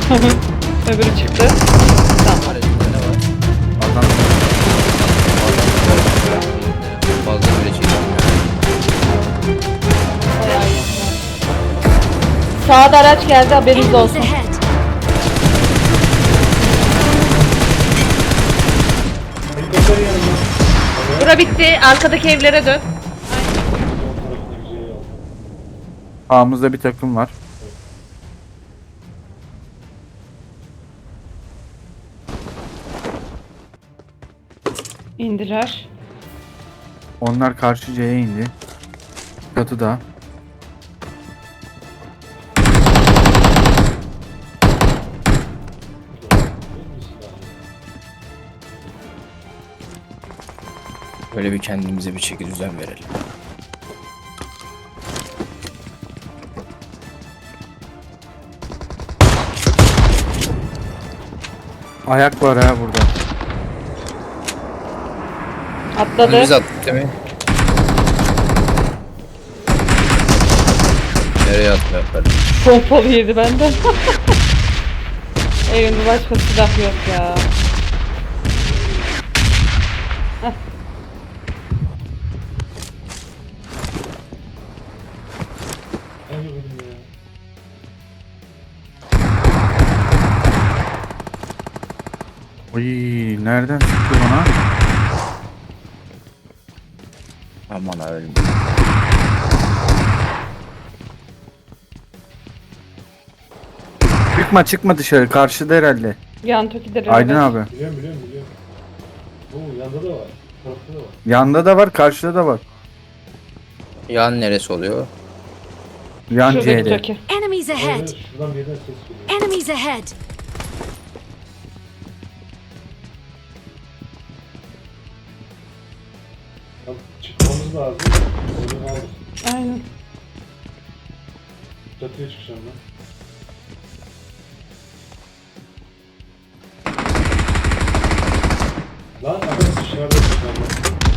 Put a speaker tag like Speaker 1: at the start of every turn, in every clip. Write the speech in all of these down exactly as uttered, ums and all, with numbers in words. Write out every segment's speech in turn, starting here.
Speaker 1: Öbürü çıktı. Tamam.
Speaker 2: Aracında ne var?
Speaker 3: Adam
Speaker 2: Fazla bile çekilmiyor.
Speaker 1: Bayağı iyi. Sağda araç geldi, haberiniz
Speaker 4: Enemies
Speaker 1: olsun.
Speaker 4: ahead.
Speaker 5: Helikopter yanında.
Speaker 1: Bura bitti. Arkadaki evlere dön.
Speaker 3: sağımızda bir takım var.
Speaker 1: İndiler.
Speaker 3: Onlar karşı C'ye indi. Çatıda.
Speaker 2: Böyle bir kendimize bir çeki düzen verelim.
Speaker 3: Ayak var ha burada.
Speaker 1: Atladı.
Speaker 2: Bunu biz attık değil mi? Nereye atmıyor kardeşim?
Speaker 1: Pompalı yedi benden. Evimde başka silah yok ya. Heh.
Speaker 3: Oy, nereden çıktı bana?
Speaker 2: Aman öldüm.
Speaker 3: Çıkma çıkma dışarı. Karşıda herhalde.
Speaker 1: Yan tokidir.
Speaker 3: Aydın abi.
Speaker 5: Biliyorum biliyorum biliyorum. Oo yanda da var. Tarafta da var.
Speaker 3: Yanda da var, karşıda da var.
Speaker 2: Yan neresi oluyor?
Speaker 3: Yan
Speaker 1: Şuradaki
Speaker 3: C'de.
Speaker 1: toki.
Speaker 4: Enemies ahead.
Speaker 5: Evet, şuradan bir yerden ses geliyor.
Speaker 4: Enemies ahead.
Speaker 5: Bak, çıkmamız lazım. Onu aldık.
Speaker 1: Aynen.
Speaker 5: Çatıya çıkacağım ben. Lan adam dışarıda dışarıda.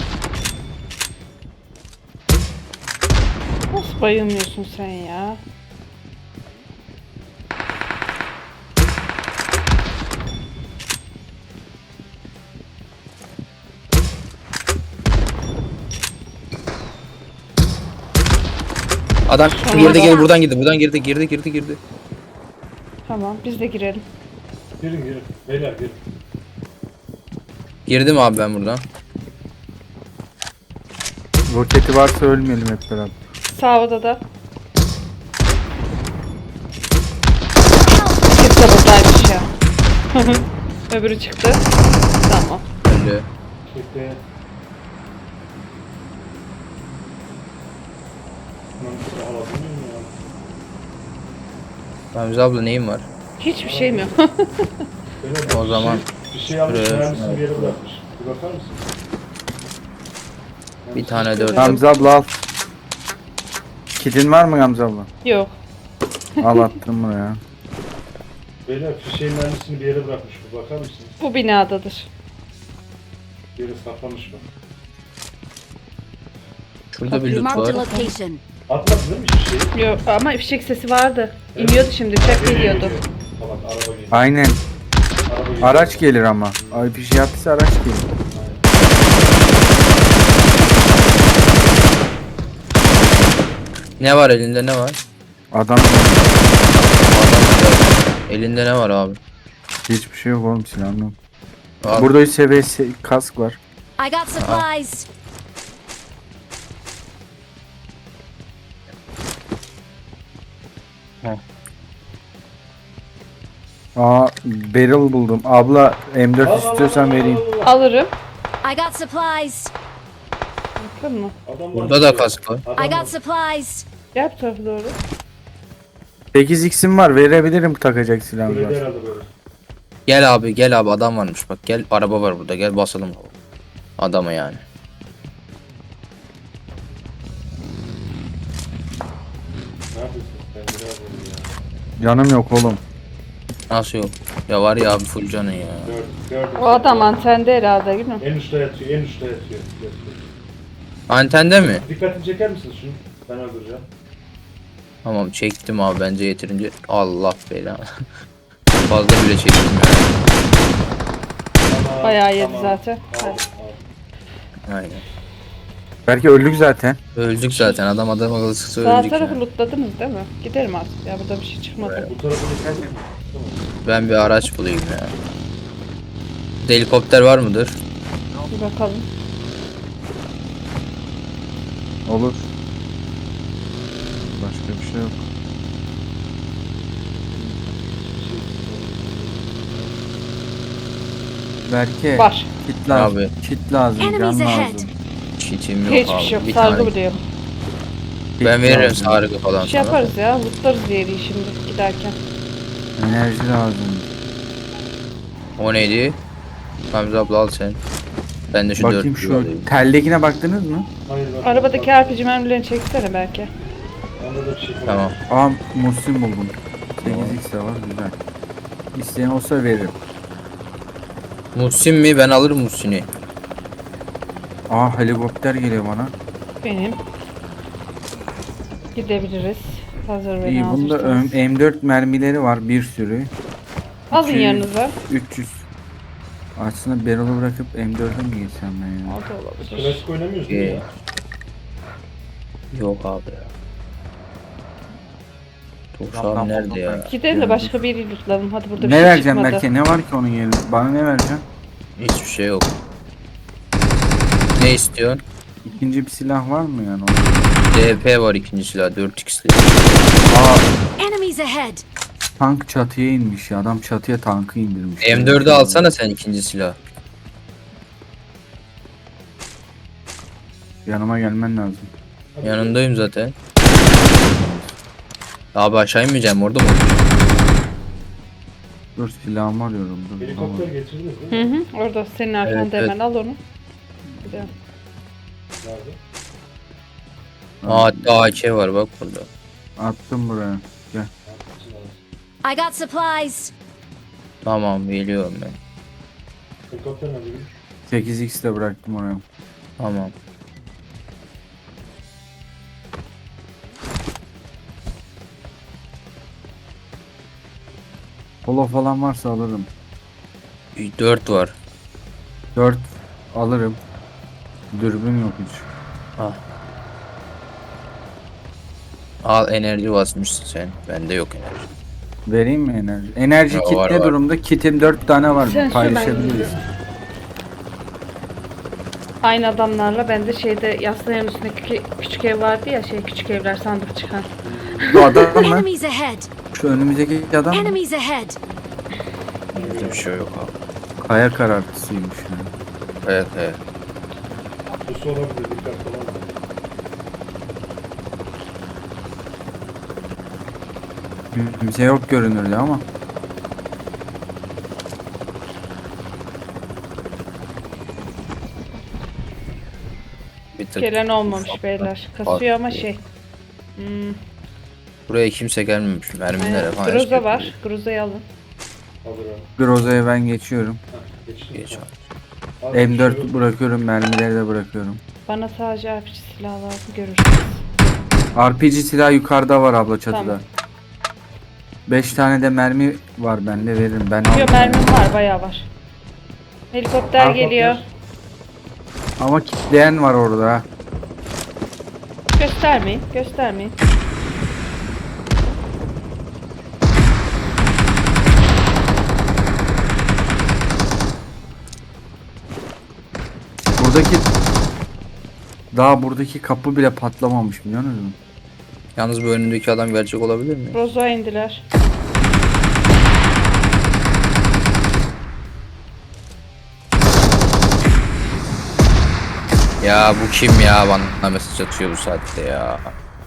Speaker 1: Nasıl bayılmıyorsun sen ya?
Speaker 2: Adam girdi gel buradan girdi buradan girdi girdi girdi girdi.
Speaker 1: Tamam, biz de girelim.
Speaker 5: Girin girin. Beyler girin.
Speaker 2: Girdim abi ben buradan.
Speaker 3: Roketi varsa ölmeyelim hep beraber.
Speaker 1: Sağ odada. Kimse buradaymış ya. Öbürü çıktı. Tamam.
Speaker 2: Öldü.
Speaker 5: Bekle. Lan bir şey alabilir miyim ya?
Speaker 2: Ramzi abla neyin var?
Speaker 1: Hiçbir şeyim yok.
Speaker 5: Beyler,
Speaker 2: O
Speaker 5: bir
Speaker 2: zaman
Speaker 5: şey, bir şey almış,
Speaker 2: şuraya-
Speaker 5: mühendisini bir yere bırakmış. Bir bakar mısın?
Speaker 2: Bir tane dört.
Speaker 3: Gamze abla al. Kitin var mı Gamze abla?
Speaker 1: Yok.
Speaker 3: Al attım buraya.
Speaker 5: Beyler fişeğin mühendisini bir yere bırakmış. Bir bakar mısınız?
Speaker 1: Bu binadadır.
Speaker 5: Bir yere saklamış bak.
Speaker 2: Şurada bir
Speaker 4: You
Speaker 2: loot
Speaker 4: marked a
Speaker 2: var.
Speaker 4: location.
Speaker 5: Atmadı değil mi fişeği?
Speaker 1: Yok ama fişek sesi vardı. İniyordu şimdi, uçak geliyordu.
Speaker 5: Tamam araba geliyor.
Speaker 3: Aynen.
Speaker 5: Araba geliyor.
Speaker 3: Araç gelir ama. Ay bir şey yaptıysa araç gelir.
Speaker 2: Ne var elinde ne var?
Speaker 3: Adam
Speaker 2: Adam elinde ne var abi?
Speaker 3: hiçbir şey yok oğlum, silahım yok.
Speaker 2: Abi,
Speaker 3: Burada üç seviye se- kask var.
Speaker 4: I got supplies.
Speaker 3: Aa, barrel buldum. Abla M dört
Speaker 5: Al, al,
Speaker 3: istiyorsan
Speaker 5: al, al,
Speaker 3: vereyim.
Speaker 5: al, al.
Speaker 1: Alırım.
Speaker 4: I got supplies.
Speaker 1: Bakın mı?
Speaker 5: Adam var.
Speaker 2: burada da kask var.
Speaker 4: I got supplies.
Speaker 1: Gel bu tarafa doğru.
Speaker 3: sekiz x'im var, verebilirim takacak silahım
Speaker 5: Böyle
Speaker 3: var.
Speaker 5: herhalde böyle.
Speaker 2: Gel abi gel abi adam varmış bak gel araba var burada gel basalım adamı yani.
Speaker 5: Ne yapıyorsun sen? Biraz oldu ya.
Speaker 3: Canım yok oğlum.
Speaker 2: Nasıl yok? Ya var ya abi full canı ya.
Speaker 5: Gördüm, gördüm.
Speaker 1: O adam antende herhalde değil mi?
Speaker 5: En uçta yatıyor, en uçta yatıyor. yatıyor.
Speaker 2: Antende mi?
Speaker 5: Dikkatini çeker misin şunu? Ben öldüreceğim.
Speaker 2: Tamam çektim abi bence yeterince. Allah belanı. fazla bile çektim ya.
Speaker 5: Tamam,
Speaker 1: Bayağı yedi
Speaker 5: tamam.
Speaker 1: zaten.
Speaker 5: Tamam,
Speaker 1: Hadi.
Speaker 5: tamam.
Speaker 2: Aynen.
Speaker 3: Belki öldük zaten.
Speaker 2: Öldük zaten. Adam adam akıllı sıksa
Speaker 1: Sağ
Speaker 2: öldük
Speaker 1: tarafı
Speaker 2: ya.
Speaker 1: lootladınız değil mi? Giderim artık ya, burada bir şey çıkmadı.
Speaker 5: Bu tarafa geçelim. Tamam.
Speaker 2: Ben bir araç bulayım ya. Bir de helikopter var mıdır?
Speaker 1: Bir bakalım.
Speaker 3: Olur. Başka bir şey yok. Belki
Speaker 1: Var.
Speaker 3: kit lazım.
Speaker 2: Abi.
Speaker 3: Kit lazım. Can
Speaker 4: Enemies ahead.
Speaker 3: lazım.
Speaker 2: Çitim yok
Speaker 1: Hiçbir
Speaker 2: abi.
Speaker 1: şey yok.
Speaker 2: Bir
Speaker 1: Sargı
Speaker 2: tane.
Speaker 1: buluyorum.
Speaker 3: Kit
Speaker 2: Ben veririm
Speaker 3: lazım.
Speaker 2: sargı falan
Speaker 1: Bir şey
Speaker 2: sana.
Speaker 1: yaparız ya. Lootlarız yeri şimdi giderken.
Speaker 3: Enerji lazım.
Speaker 2: O neydi? Hamza abla al sen. Ben de şu
Speaker 3: Bakayım
Speaker 2: dört
Speaker 3: şu
Speaker 2: alayım.
Speaker 3: teldekine baktınız mı?
Speaker 5: Hayır, bak,
Speaker 1: Arabadaki
Speaker 5: bak,
Speaker 1: R P G mermilerini çeksene belki.
Speaker 5: Onda da bir şey var.
Speaker 2: Tamam.
Speaker 3: Aa Musim buldum. sekiz x de var güzel. İsteyen olsa veririm.
Speaker 2: Muhsin mi? Ben alırım Muhsin'i.
Speaker 3: Aa helikopter geliyor bana.
Speaker 1: Benim. Gidebiliriz. Hazır ve
Speaker 3: İyi bunda
Speaker 1: hazırsanız.
Speaker 3: ö- M dört mermileri var bir sürü.
Speaker 1: Alın
Speaker 3: iki yüz,
Speaker 1: yanınıza.
Speaker 3: üç yüz. Aslında barrel'ı bırakıp M dört'e mi geçsem ben ya?
Speaker 1: O da olabilir.
Speaker 5: Klasik oynamıyoruz değil mi
Speaker 2: Ee,
Speaker 5: ya?
Speaker 2: Yok abi ya. Tuşağım nerede ya?
Speaker 1: Gidelim de başka bir yeri lootlayalım. Hadi burada bir
Speaker 3: Ne
Speaker 1: şey
Speaker 3: vereceğim
Speaker 1: çıkmadı.
Speaker 3: belki? Ne var ki onun yerine? Bana ne vereceksin?
Speaker 2: Hiçbir şey yok. Ne istiyorsun?
Speaker 3: İkinci bir silah var mı yani?
Speaker 2: D P var ikinci silah dört x'li.
Speaker 3: Aa
Speaker 4: Enemies ahead.
Speaker 3: tank çatıya inmiş ya. Adam çatıya tankı indirmiş.
Speaker 2: M dördü alsana sen ikinci silah.
Speaker 3: Yanıma gelmen lazım.
Speaker 2: Yanındayım zaten. Abi aşağı inmeyeceğim orada mı?
Speaker 3: Dur silahımı arıyorum. Dur,
Speaker 5: Helikopter
Speaker 3: bulamadım.
Speaker 5: getirdiniz
Speaker 1: Hı
Speaker 5: değil mi?
Speaker 1: hı. Orada senin arkanda
Speaker 2: Evet,
Speaker 1: hemen
Speaker 2: evet.
Speaker 1: al onu. Gidelim.
Speaker 5: Nerede?
Speaker 2: Aa hatta A K var bak burada.
Speaker 3: Attım buraya. Gel.
Speaker 4: I got supplies.
Speaker 2: Tamam geliyorum ben.
Speaker 5: Helikopter nerede?
Speaker 3: sekiz x de bıraktım oraya.
Speaker 2: Tamam.
Speaker 3: Polo falan varsa alırım.
Speaker 2: dört var.
Speaker 3: dört alırım. Dürbün yok hiç.
Speaker 2: Ah. Al enerji basmışsın sen. Bende yok enerji.
Speaker 3: Vereyim mi enerji? Enerji
Speaker 2: Ya,
Speaker 3: kit
Speaker 2: var,
Speaker 3: ne
Speaker 2: var.
Speaker 3: durumda? Kitim dört tane var.
Speaker 1: Sen sür, ben
Speaker 3: Paylaşabiliriz.
Speaker 1: gidiyorum. Aynı adamlarla ben de şeyde yaslanın üstündeki küçük ev vardı ya, şey küçük evler sandık çıkan.
Speaker 3: Bu adam mı?
Speaker 4: Enemies ahead.
Speaker 3: Şu önümüzdeki adam mı?
Speaker 4: Enemies ahead.
Speaker 2: Bizde bir şey yok abi.
Speaker 3: Kaya karartısıymış yani.
Speaker 2: Evet evet.
Speaker 5: Bu olabilir, dikkatli olalım.
Speaker 3: Kimse yok görünürde ama.
Speaker 2: Bir tık.
Speaker 1: Gelen olmamış beyler. Kasıyor ama şey. Hmm,
Speaker 2: Buraya kimse gelmemiş. Mermilere
Speaker 1: aynen.
Speaker 2: falan.
Speaker 1: Groza var. Groza'yı alın.
Speaker 5: Alırım.
Speaker 3: Groza'ya ben geçiyorum.
Speaker 5: Heh, geçtim.
Speaker 2: Geç abi.
Speaker 5: Abi, bir şey
Speaker 3: M
Speaker 5: yok.
Speaker 3: dört bırakıyorum, mermileri de bırakıyorum.
Speaker 1: Bana sadece R P G silah lazım, görürsünüz.
Speaker 3: R P G silah yukarıda var abla çatıda.
Speaker 1: Tamam.
Speaker 3: beş tane de mermi var bende veririm. Ben
Speaker 1: Yok,
Speaker 3: aldım.
Speaker 1: mermim var, bayağı var. Helikopter
Speaker 5: Helikopter.
Speaker 1: geliyor.
Speaker 3: Ama kitleyen var orada ha.
Speaker 1: Göstermeyin, göstermeyin.
Speaker 3: Buradaki daha buradaki kapı bile patlamamış biliyor musun?
Speaker 2: Yalnız bu önündeki adam gerçek olabilir mi?
Speaker 1: Groza indiler.
Speaker 2: Ya bu kim ya bana mesaj atıyor bu saatte ya.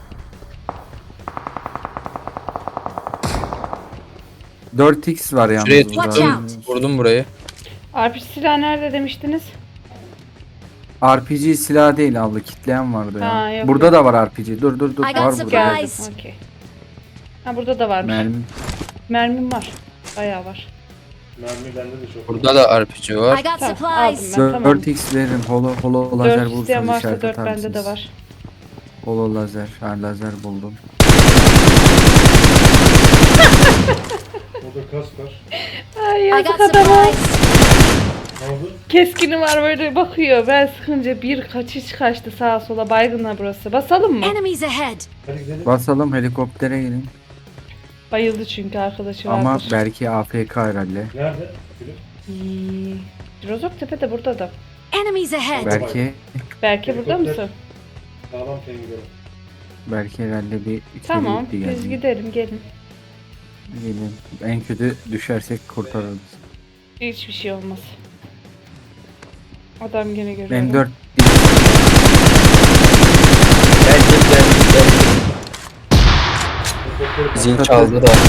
Speaker 3: dört x var yalnız
Speaker 2: Şuraya
Speaker 3: burada.
Speaker 4: Watch out.
Speaker 2: Vurdum burayı.
Speaker 1: R P G silah nerede demiştiniz?
Speaker 3: R P G silah değil abla kitleyen vardı ya.
Speaker 1: Ha, yok,
Speaker 3: burada
Speaker 1: yok.
Speaker 3: da var R P G. Dur dur dur
Speaker 4: I got
Speaker 3: var
Speaker 4: supplies.
Speaker 3: burada.
Speaker 4: Guys.
Speaker 1: Okey. Ha, burada da varmış.
Speaker 3: Mermi.
Speaker 1: Mermim var. Bayağı var.
Speaker 5: Mermi bende de çok.
Speaker 2: Burada da R P G var.
Speaker 4: I got
Speaker 1: Tamam, aldım
Speaker 4: supplies.
Speaker 1: ben, tamam.
Speaker 3: dört x veririm. Holo holo lazer
Speaker 1: dört isteyen
Speaker 3: bulursanız
Speaker 1: varsa
Speaker 3: işaret
Speaker 1: dört
Speaker 3: atar
Speaker 1: bende de
Speaker 3: mısınız?
Speaker 1: var.
Speaker 3: Holo lazer. Ha lazer buldum.
Speaker 5: Orada kask var.
Speaker 1: Ay
Speaker 4: I
Speaker 1: yazık
Speaker 4: got
Speaker 1: adama.
Speaker 4: supplies.
Speaker 5: Ne oldu?
Speaker 1: Keskini var böyle bakıyor. Ben sıkınca bir kaçış kaçtı sağa sola, baygınla burası. Basalım mı?
Speaker 4: Enemies ahead.
Speaker 5: Hadi gidelim.
Speaker 3: Basalım, helikoptere gelin.
Speaker 1: Bayıldı çünkü arkadaşı
Speaker 3: Ama
Speaker 1: vardır.
Speaker 3: belki A F K herhalde.
Speaker 5: Nerede? Gülüm.
Speaker 1: Hmm. Rozok Tepe de burada da.
Speaker 4: Enemies ahead.
Speaker 3: Belki
Speaker 1: Belki burada
Speaker 5: Helikopter.
Speaker 1: mısın?
Speaker 5: Sağlam sen gidelim.
Speaker 3: belki herhalde bir içeri
Speaker 1: Tamam,
Speaker 3: gitti
Speaker 1: biz
Speaker 3: yani.
Speaker 1: gidelim, gelin.
Speaker 3: Gelin. En kötü düşersek kurtarırız.
Speaker 1: Hiçbir şey olmaz. Adam gene görüyor.
Speaker 3: M dört
Speaker 2: Gel gel gel gel.
Speaker 5: Helikopteri
Speaker 2: Zil çaldı da.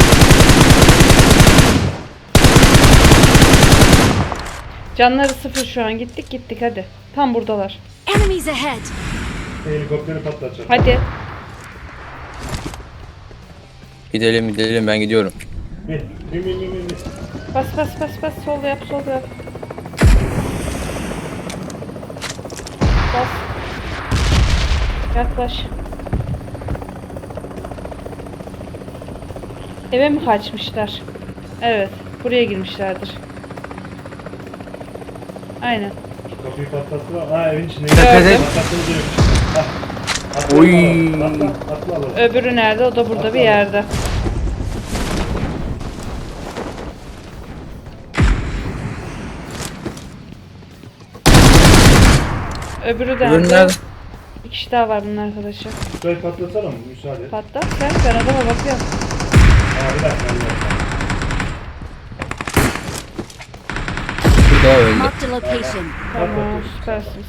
Speaker 1: Canları sıfır şu an. Gittik gittik hadi. Tam buradalar.
Speaker 4: Enemies ahead.
Speaker 5: Helikopteri patlatacak.
Speaker 1: Hadi.
Speaker 2: Gidelim gidelim ben gidiyorum.
Speaker 5: Bin. Bin bin bin bin. bin.
Speaker 1: Bas bas bas bas. Sol yap sol yap. Bas. Yaklaş. Eve mi kaçmışlar? Evet. Buraya girmişlerdir. Aynen.
Speaker 5: Kapıyı patlattılar. Ha evin içinde.
Speaker 3: Tepede-
Speaker 5: Patlattığını diyorum. Ha. Atla,
Speaker 3: Oy.
Speaker 5: Atla atla alalım.
Speaker 1: Öbürü nerede? O da burada bir yerde. Öbürü
Speaker 2: Öbürü
Speaker 1: nerede?
Speaker 2: nerede?
Speaker 1: Bir kişi daha var bunun arkadaşı.
Speaker 5: Şurayı patlatsana mı? Müsaade et.
Speaker 1: Patlat sen. Ben adama bakıyorum.
Speaker 5: Ha bir dakika. Bir dakika.
Speaker 2: Bir daha öldü.
Speaker 4: Marked a location.
Speaker 1: Tamam süpersiniz.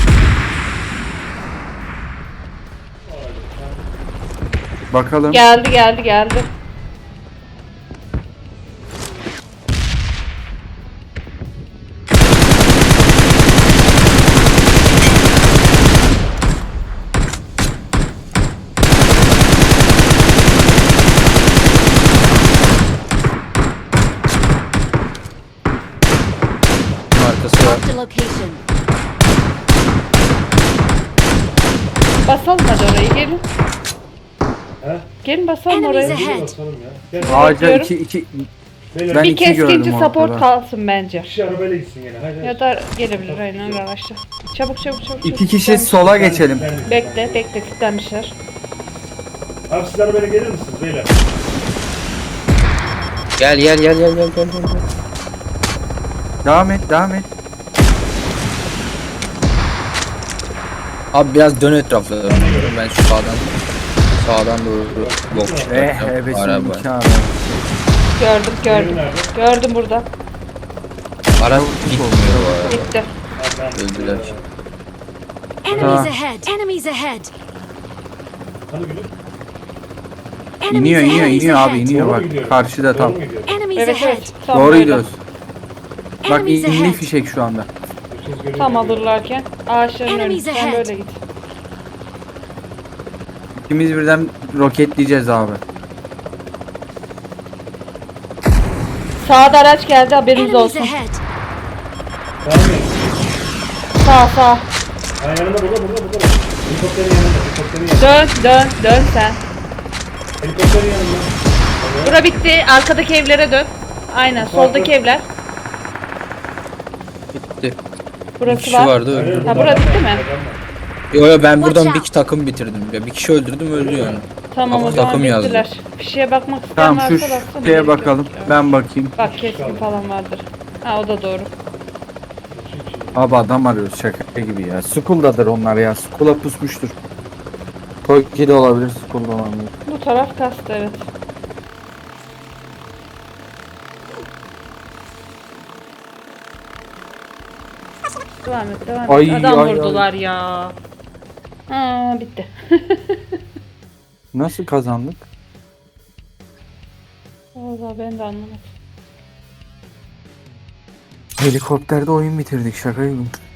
Speaker 3: bakalım.
Speaker 1: Geldi geldi geldi.
Speaker 2: Bunun arkası var.
Speaker 4: Marked a location.
Speaker 1: Basalım hadi orayı gelin.
Speaker 5: He?
Speaker 1: Gelin basalım
Speaker 4: Enemies
Speaker 1: orayı.
Speaker 4: ahead.
Speaker 5: Hadi basalım ya. Gel.
Speaker 3: Ağaca
Speaker 1: Bekliyorum.
Speaker 3: iki iki
Speaker 5: Beyler
Speaker 3: Ben
Speaker 1: Bir
Speaker 3: iki gördüm
Speaker 1: keskinci
Speaker 3: ortada.
Speaker 1: support kalsın bence.
Speaker 5: bir kişi arabayla gitsin gene. Haydi.
Speaker 1: Ya da gelebilir aynen araçla. Çabuk çabuk çabuk.
Speaker 3: iki
Speaker 1: çabuk.
Speaker 3: kişi sola geçelim.
Speaker 1: Bekle bekle kilitlenmişler.
Speaker 5: Abi siz arabayla gelir misiniz beyler?
Speaker 2: Gel gel gel gel gel gel. gel.
Speaker 3: Devam et, devam et.
Speaker 2: Abi biraz dön etraflarına. Ben şu sağdan sağdan doğru bok
Speaker 3: Eh,
Speaker 2: çıkartacağım.
Speaker 3: evet,
Speaker 2: Araba.
Speaker 3: iki araba.
Speaker 1: Gördüm gördüm.
Speaker 5: Nerede?
Speaker 1: Gördüm burada.
Speaker 2: Araç gitmiyor bu araba.
Speaker 1: Gitti.
Speaker 5: Ha, tamam.
Speaker 2: Öldüler.
Speaker 4: Enemies
Speaker 3: Ah.
Speaker 4: ahead. Enemies ahead.
Speaker 5: Hani gülüm?
Speaker 4: Enemies
Speaker 3: İniyor,
Speaker 4: ahead.
Speaker 3: iniyor,
Speaker 4: Enemies
Speaker 3: iniyor abi,
Speaker 4: ahead.
Speaker 3: iniyor
Speaker 5: Doğru
Speaker 3: bak.
Speaker 5: mu gidiyorum?
Speaker 3: Karşıda tam.
Speaker 5: Doğru mu gidiyorum?
Speaker 4: Enemies
Speaker 1: Evet
Speaker 4: ahead.
Speaker 1: evet. Tam
Speaker 3: Doğru
Speaker 1: böyle.
Speaker 3: gidiyoruz. Bak
Speaker 4: Enemies
Speaker 3: indi
Speaker 4: ahead.
Speaker 3: fişek şu anda.
Speaker 5: Üçünüz görüyor
Speaker 1: Tam
Speaker 5: musunuz?
Speaker 1: alırlarken ağaçların önü.
Speaker 4: Enemies
Speaker 1: Sen
Speaker 4: ahead.
Speaker 1: böyle git.
Speaker 3: İkimiz birden roketleyeceğiz abi.
Speaker 1: Sağda araç geldi haberiniz
Speaker 4: Enemies
Speaker 1: olsun.
Speaker 4: ahead.
Speaker 5: Tamam mı?
Speaker 1: Sağ sağ.
Speaker 5: Ha yanında burada burada burada. Helikopterin yanında. Helikopterin yanında.
Speaker 1: Dön dön dön sen.
Speaker 5: Helikopterin yanında. Evet.
Speaker 1: Bura bitti. Arkadaki evlere dön. Aynen soldaki evler.
Speaker 2: Bitti. Bir
Speaker 1: Burası
Speaker 2: kişi
Speaker 1: var.
Speaker 2: vardı
Speaker 5: Hayır,
Speaker 2: öldü.
Speaker 1: Ha,
Speaker 5: burada
Speaker 1: bura
Speaker 5: adam
Speaker 1: bitti
Speaker 5: var,
Speaker 1: mi?
Speaker 5: adam var.
Speaker 2: Yo yo ben buradan
Speaker 4: Watch
Speaker 2: bir
Speaker 4: out.
Speaker 2: iki takım bitirdim. Ya bir kişi öldürdüm öldü yani.
Speaker 1: Tamam o
Speaker 2: Ama
Speaker 1: zaman
Speaker 2: takım yazdı.
Speaker 1: bittiler. Fişeye bakmak isteyen
Speaker 3: Tamam
Speaker 1: varsa
Speaker 3: şu
Speaker 1: baksana.
Speaker 3: şeye
Speaker 1: gerek yok.
Speaker 3: bakalım. Ben bakayım.
Speaker 1: Bak keskin falan vardır. Ha o da doğru.
Speaker 3: Abi adam arıyoruz şaka gibi ya. School'dadır onlar ya. School'a pusmuştur. Toki de olabilir, School'da olabilir.
Speaker 1: Bu taraf kastı evet. Devam et devam et.
Speaker 3: Ay,
Speaker 1: Adam
Speaker 3: ay,
Speaker 1: vurdular ya. Aa bitti.
Speaker 3: Nasıl kazandık?
Speaker 1: Vallahi ben de anlamadım.
Speaker 3: Helikopterde oyun bitirdik şaka gibi.